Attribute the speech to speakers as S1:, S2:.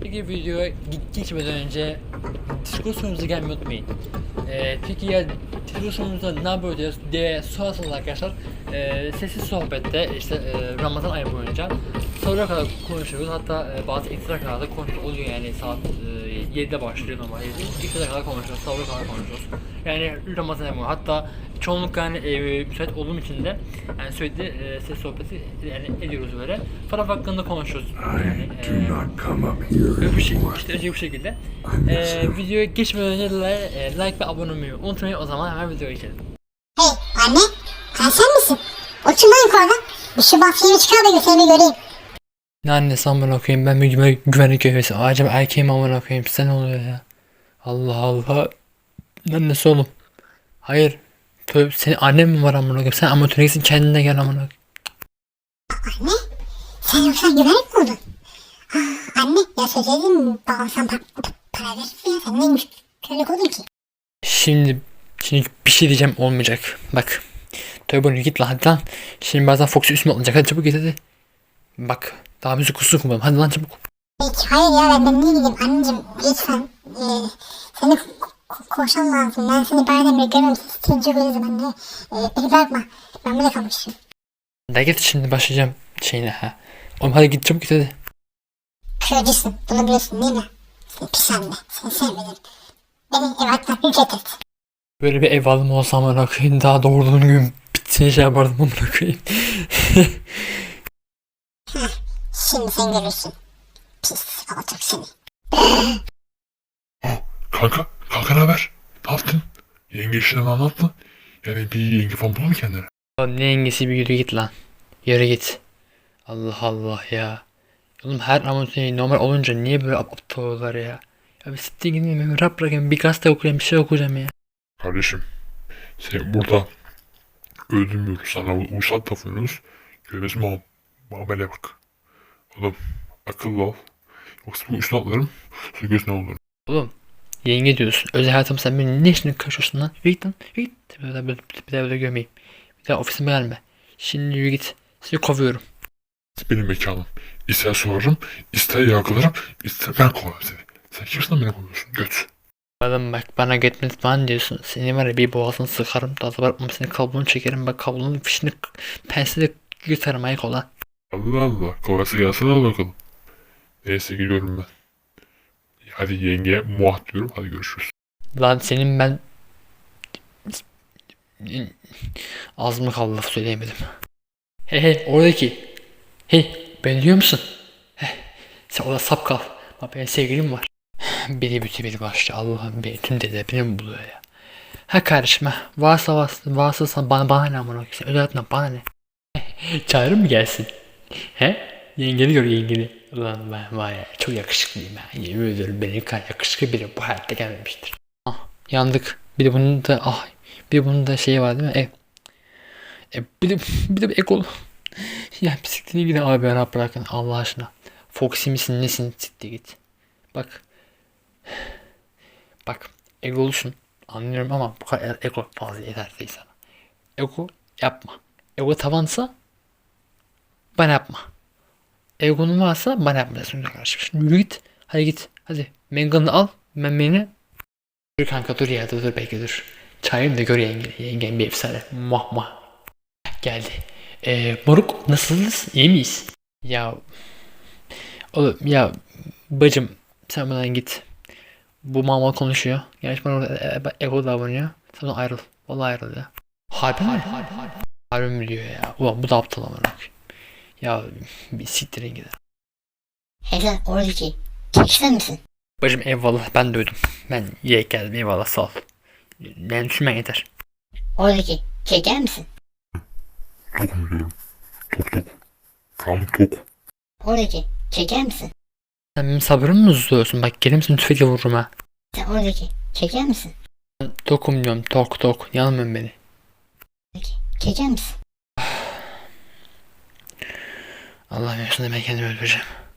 S1: Peki videoya geçmeden önce Discord sorumuza gelmeyi unutmayın. Peki ya Discord sorumuzda ne yapıyoruz diye sorarsanız arkadaşlar, sessiz sohbette işte Ramazan ayı boyunca sonuna kadar konuşuyoruz. Hatta bazı ekstra kadar da konuşuyoruz oluyor, yani saat 7'de başlıyor normal 7. İkstra kadar konuşuyoruz, sonuna kadar konuşuyoruz. Yani Ramazan ayı boyunca, hatta çoğunlukla yani müsait olduğum için de yani sürekli ses sohbeti yani ediyoruz böyle. Taraf hakkında konuşuyoruz. Yani işte bu şekilde. Videoya geçmeden önce like ve abone olmayı unutmayın. O zaman hemen videoya geçelim.
S2: Hey anne, sen misin? O kim lan yukarıda? Bir şu bahçeye çıkar da götürme göreyim.
S1: Ne annesi amına koyayım, ben bir güvenlik görevlisi. Acaba erkeğim amına koyayım, size ne oluyor ya? Allah Allah. Annesi oğlum. Hayır. Tövbe, senin annen mi var amına koyayım? Sen amatöre gitsin, kendine gel amına koyayım.
S2: Anne, sen yoksa güvenlik mi oldun? Anne, ya söyledim mi? Babam sana para verirse ya sen neymiş? Güvenlik oldun ki.
S1: Şimdi bir şey diyeceğim, olmayacak. Bak. Tövbe git lan, hadi lan. Şimdi bazen Fox'u üstüme alınacak, hadi çabuk git hadi. Bak. Daha müzik kususu kurmadım, hadi lan çabuk.
S2: Peki, hayır ya ben niye gideyim anneciğim? Lütfen. Seni koşan lazım. Ben seni bayramda görüyorum. Seni çok özledim anne. Beni bırakma. Ben burada kalmışım.
S1: Da git, şimdi başlayacağım şeyine ha. Oğlum hadi git çabuk git hadi.
S2: Kırıcısın. Bunu biliyorsun değil mi? Seni pis anne. Seni sevmedim. Beni ev atmak ücret et.
S1: Böyle bir ev alım olsa amına koyayım, daha doğurduğum gün bitsin şey yapardım amına koyayım.
S2: Şimdi sen görürsün. Pis alacak seni.
S3: Kanka ne haber? Ne yaptın? Yenge işini anlat mı? Yani bir yenge falan bulur mu kendine?
S1: Oğlum ne yengesi, bir yürü git lan. Yürü git. Allah Allah ya. Oğlum her amatör normal olunca niye böyle aptal oluyorlar ya? Ya bir siktir gidin, bir rap bırakayım, bir gazete okuyayım, bir şey okuyacağım ya.
S3: Kardeşim, seni burada öldürmüyoruz. Sana uysal davranıyoruz. Görmez muamele bak. Oğlum akıllı ol. Yoksa bu üstüne atlarım. Sonra gözüne olur.
S1: Oğlum yenge diyorsun. Özel hayatım, sen benim ne işini karışıyorsun lan? Yürü git lan. Yürü git. Bir daha böyle görmeyeyim. Bir daha ofisime gelme. Şimdi yürü git. Seni kovuyorum.
S3: Benim mekanım. İster sorarım, ister yargılarım, ister ben kovarım seni. Sen kimsin lan beni kovuyorsun? Göt.
S1: Adam bak, bana gitmez falan diyorsun. Seni var ya, bir boğazını sıkarım. Daha da bırakmam, seni kablonu çekerim. Bak kablonun fişini pensle yutarım, ayık olan.
S3: Allah Allah. Kovası gelsin al bakalım. Neyse gidiyorum ben. Hadi yengeye muah diyorum. Hadi görüşürüz.
S1: Lan senin ben... Az mı kaldı, laf söyleyemedim. He oradaki. Hey beni duyuyor musun? Sen orada sap kal. Bak benim sevgilim var. Biri başlı, Allah'ım beni tüm dede beni mi buluyor ya? Ha kardeşim ha. Varsa sana bana ne amına koyayım. Öyle hayatına bana ne? Çağırır mı gelsin? He? Yengeni gör, yengeni. Ulan ben var ya, çok yakışıklıyım ha. Yemin ediyorum benim kadar yakışıklı biri bu hayatta gelmemiştir. Ah yandık. Bir de bunun da şeyi var değil mi? Bir de ekol. Ya bisikletine gidin abi, bana bırakın Allah aşkına. Foxy misin nesin, siktir git. Bak. Bak egolusun. Anlıyorum ama bu kadar ego fazla yeter değil sana. Ego yapma. Ego tavansa bana yapma. Egonun varsa bana yapmayacaksın kardeşim. Şimdi yürü git. Hadi git. Hadi. Mengan'ı al. Beni. Dur kanka, dur ya, dur bekle dur. Çayını da gör yenge. Yengen bir efsane. Muah muah. Geldi. Moruk nasılsınız? İyi miyiz? Ya oğlum ya bacım, sen buradan git. Bu mal konuşuyor. Gerçi bana orada ego davranıyor. Sen ondan ayrıl. Vallahi ayrıl ya. Harbi mi? Harbi mi diyor ya? Ulan bu da aptal amına koyayım. Ya bir siktirin gider.
S2: Hey sen oradaki. Çekişten misin?
S1: Bacım eyvallah, ben duydum. Ben yiyek geldim, eyvallah sağ ol. Ben düşünmen yeter.
S2: Oradaki. Çeker misin?
S3: Tokum diyorum. Tok. Tam tok.
S2: Oradaki. Çeker misin?
S1: Sen benim sabrımı mı tutuyorsun? Bak gelir misin, tüfekle vururum ha.
S2: Sen oradaki. Çeker misin?
S1: Tokum diyorum, tok. Yanılmıyorum beni.
S2: Oradaki. Çeker misin?
S1: Allah'ım, yaşında ben kendimi öldüreceğim.